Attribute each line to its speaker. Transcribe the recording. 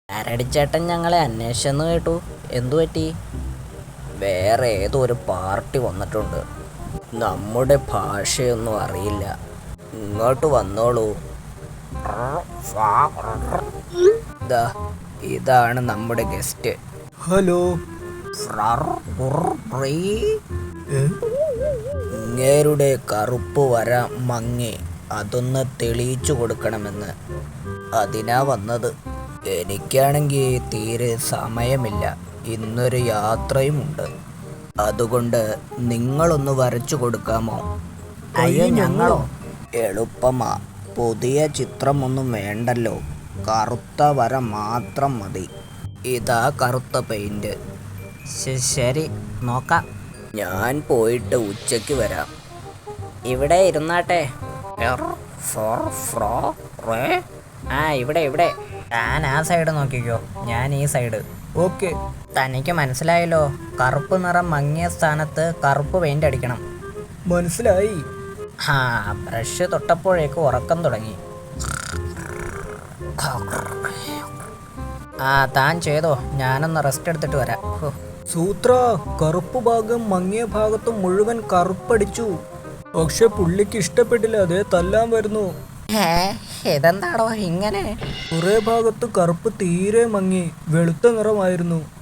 Speaker 1: ആരടിച്ചേട്ടൻ ഞങ്ങളെ അന്വേഷിച്ചെന്ന് കേട്ടു. എന്തു പറ്റി? വേറെ ഏതോ ഒരു പാർട്ടി വന്നിട്ടുണ്ട്. നമ്മുടെ ഭാഷയൊന്നും അറിയില്ല. ഇങ്ങോട്ട് വന്നോളൂ. ഇതാണ് നമ്മുടെ ഗസ്റ്റ്.
Speaker 2: ഹലോ.
Speaker 1: ഇങ്ങേരുടെ കറുപ്പ് വര മങ്ങി അതൊന്ന് തെളിയിച്ചു കൊടുക്കണമെന്ന്. അതിനാ വന്നത്. എനിക്കാണെങ്കിൽ തീരെ സമയമില്ല. ഇന്നൊരു യാത്രയുമുണ്ട്. അതുകൊണ്ട് നിങ്ങളൊന്ന് വരച്ചു കൊടുക്കാമോ?
Speaker 2: അയ്യോ, ഞങ്ങളോ?
Speaker 1: എളുപ്പമാ. പുതിയ ചിത്രമൊന്നും വേണ്ടല്ലോ. കറുത്ത വര മാത്രം മതി. ഇതാ കറുത്ത പെയിന്റ്.
Speaker 2: ശരി, നോക്കാം.
Speaker 1: ഞാൻ പോയിട്ട് ഉച്ചയ്ക്ക് വരാം. ഇവിടെ ഇരുന്നാട്ടെ. ഇവിടെ
Speaker 2: താൻ ആ സൈഡ് നോക്കിക്കോ, ഞാൻ ഈ സൈഡ്.
Speaker 1: ഓക്കെ.
Speaker 2: തനിക്ക് മനസ്സിലായല്ലോ. കറുപ്പ് നിറം മങ്ങിയ സ്ഥാനത്ത് കറുപ്പ് പെയിന്റ് അടിക്കണം.
Speaker 1: മനസ്സിലായി.
Speaker 2: ബ്രഷ് തൊട്ടപ്പോഴേക്ക് ഉറക്കം തുടങ്ങി. താൻ ചെയ്തോ, ഞാനൊന്ന് റെസ്റ്റ് എടുത്തിട്ട് വരാം.
Speaker 1: സൂത്ര, കറുപ്പ് ഭാഗം മങ്ങിയ ഭാഗത്ത് മുഴുവൻ കറുപ്പടിച്ചു. പക്ഷെ പുള്ളിക്ക് ഇഷ്ടപ്പെട്ടില്ല. അതേ തല്ലാൻ വരുന്നു.
Speaker 2: ഇതെന്താടോ ഇങ്ങനെ?
Speaker 1: കുറെ ഭാഗത്ത് കറുപ്പ് തീരെ മങ്ങി വെളുത്ത നിറമായിരുന്നു.